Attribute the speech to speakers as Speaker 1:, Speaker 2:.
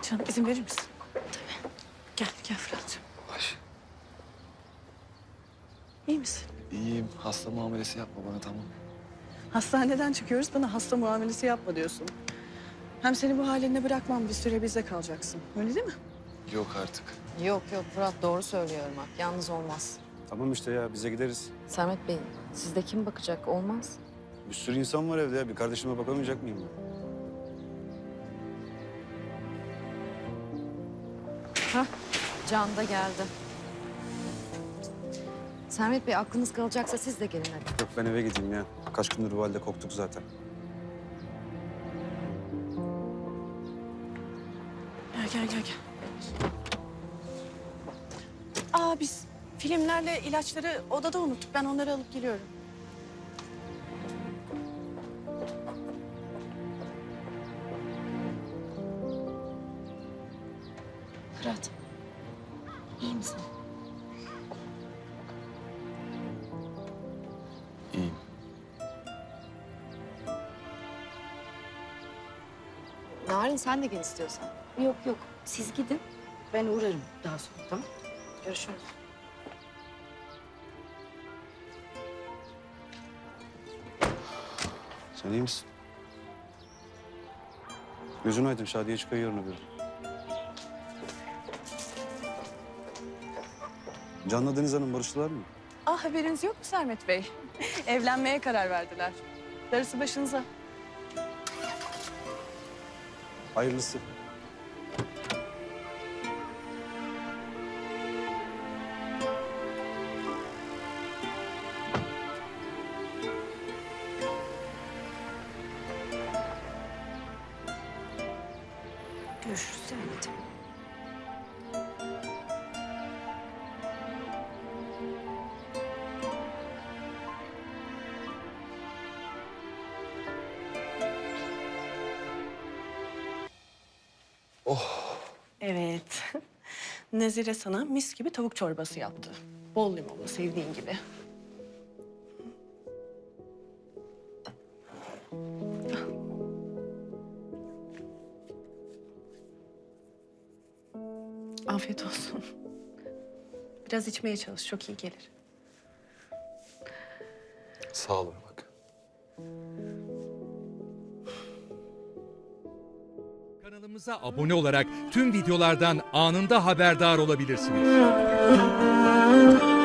Speaker 1: Canım izin verir misin? Tabii. Gel Fırat'cığım.
Speaker 2: Ay,
Speaker 1: İyi misin?
Speaker 2: iyiyim. Hasta muamelesi yapma bana, tamam.
Speaker 1: Hastaneden çıkıyoruz, bana hasta muamelesi yapma diyorsun. Hem seni bu haline bırakmam, bir süre bizde kalacaksın. Öyle değil mi?
Speaker 2: Yok artık.
Speaker 3: Yok Fırat doğru söylüyor Irmak. Yalnız olmaz.
Speaker 4: Tamam işte ya, bize gideriz.
Speaker 3: Sermet Bey sizde kim bakacak olmaz.
Speaker 4: Bir sürü insan var evde ya. Bir kardeşime bakamayacak mıyım ben?
Speaker 3: Hah Can da geldi. Sermet Bey aklınız kalacaksa siz de gelin hadi.
Speaker 4: Yok, ben eve gideyim ya. Kaç gündür bu halde koktuk zaten.
Speaker 1: Gel. Biz filmlerle ilaçları odada unuttuk. Ben onları alıp geliyorum. Fırat, iyi misin?
Speaker 2: İyiyim.
Speaker 3: Narin sen de gel istiyorsan.
Speaker 5: Yok siz gidin. Ben uğrarım daha sonra tamam.
Speaker 3: Görüşürüz.
Speaker 4: Sen iyi misin? Gözün aydın, Şadiye çıkıyor yarın öbür. Can'la Deniz Hanım barıştılar mı?
Speaker 1: Haberiniz yok mu Sermet Bey? Evlenmeye karar verdiler. Darısı başınıza.
Speaker 4: Hayırlısı.
Speaker 5: Görüşürüz Sermet.
Speaker 1: Evet. Nezire sana mis gibi tavuk çorbası yaptı. Bol limonlu, sevdiğin gibi. Afiyet olsun. Biraz içmeye çalış, çok iyi gelir.
Speaker 2: Sağ ol bak.
Speaker 6: Kanalımıza abone olarak tüm videolardan anında haberdar olabilirsiniz.